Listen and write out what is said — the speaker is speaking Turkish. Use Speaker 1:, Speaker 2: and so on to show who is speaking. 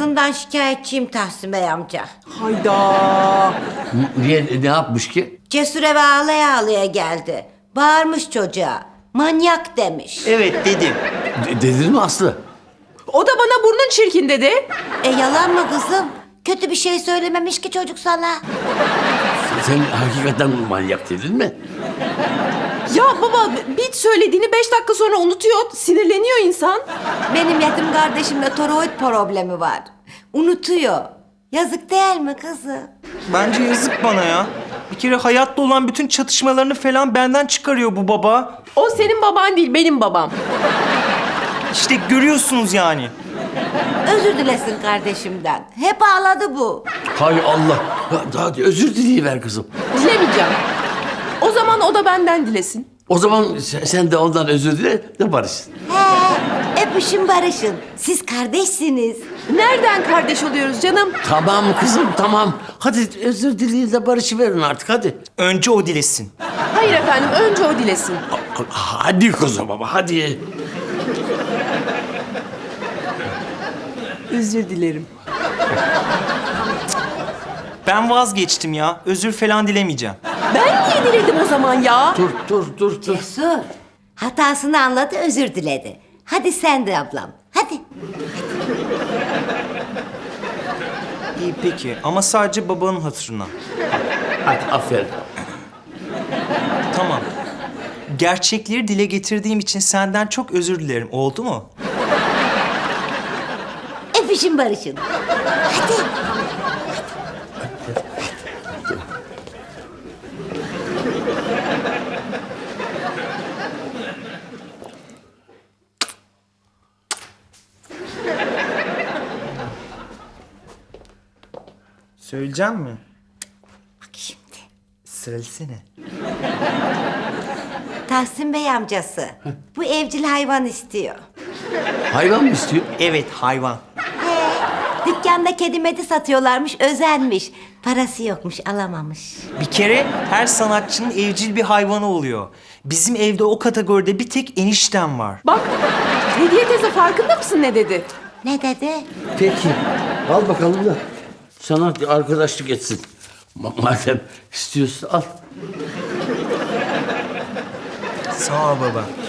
Speaker 1: kızından şikayetçiyim Tahsin Bey amca.
Speaker 2: Hayda.
Speaker 3: Niye, ne yapmış ki?
Speaker 1: Cesur eve ağlaya ağlaya geldi. Bağırmış çocuğa. Manyak demiş.
Speaker 4: Evet dedim.
Speaker 3: Dedin mi Aslı?
Speaker 2: O da bana burnun çirkin dedi.
Speaker 1: Yalan mı kızım? Kötü bir şey söylememiş ki çocuk sana.
Speaker 3: Sen hakikaten manyak dedin mi?
Speaker 2: Ya baba bir söylediğini 5 dakika sonra unutuyor. Sinirleniyor insan.
Speaker 1: Benim yetim kardeşimde toroid problemi var. Unutuyor. Yazık değil mi kızım?
Speaker 4: Bence yazık bana ya. Bir kere hayatta olan bütün çatışmalarını falan benden çıkarıyor bu baba.
Speaker 2: O senin baban değil, benim babam.
Speaker 4: İşte görüyorsunuz yani.
Speaker 1: Özür dilesin kardeşimden. Hep ağladı bu.
Speaker 3: Hay Allah. Hadi özür dileyiver kızım.
Speaker 2: Dilemeyeceğim. O zaman o da benden dilesin.
Speaker 3: O zaman sen de ondan özür dile de barışın.
Speaker 1: Öpüşün barışın. Siz kardeşsiniz.
Speaker 2: Nereden kardeş oluyoruz canım?
Speaker 3: Tamam kızım tamam. Hadi özür dileyin de barışıverin artık hadi.
Speaker 4: Önce o dilesin.
Speaker 2: Hayır efendim, önce o dilesin.
Speaker 3: Hadi kızım baba hadi.
Speaker 2: Özür dilerim.
Speaker 4: Ben vazgeçtim ya. Özür falan dilemeyeceğim.
Speaker 2: Ben niye diledim o zaman ya?
Speaker 3: Dur.
Speaker 1: Cesur. Hatasını anladı, özür diledi. Hadi sen de ablam. Hadi.
Speaker 4: İyi peki ama sadece babanın hatırına.
Speaker 3: Hadi aferin.
Speaker 4: Tamam. Gerçekleri dile getirdiğim için senden çok özür dilerim. Oldu mu?
Speaker 1: Öpüşün barışın. Hadi.
Speaker 4: Söyleyeceğim mi?
Speaker 1: Bak şimdi.
Speaker 4: Söylesene.
Speaker 1: Tahsin Bey amcası. Bu evcil hayvan istiyor.
Speaker 3: Hayvan mı istiyor?
Speaker 4: Evet hayvan.
Speaker 1: Dükkanda kedi medi satıyorlarmış, özenmiş. Parası yokmuş, alamamış.
Speaker 4: Bir kere her sanatçının evcil bir hayvanı oluyor. Bizim evde o kategoride bir tek eniştem var.
Speaker 2: Bak, Hediye teyze farkında mısın ne dedi?
Speaker 1: Ne dedi?
Speaker 3: Peki. Al bakalım da sana arkadaşlık etsin. Madem istiyorsun al.
Speaker 4: Sağ ol baba.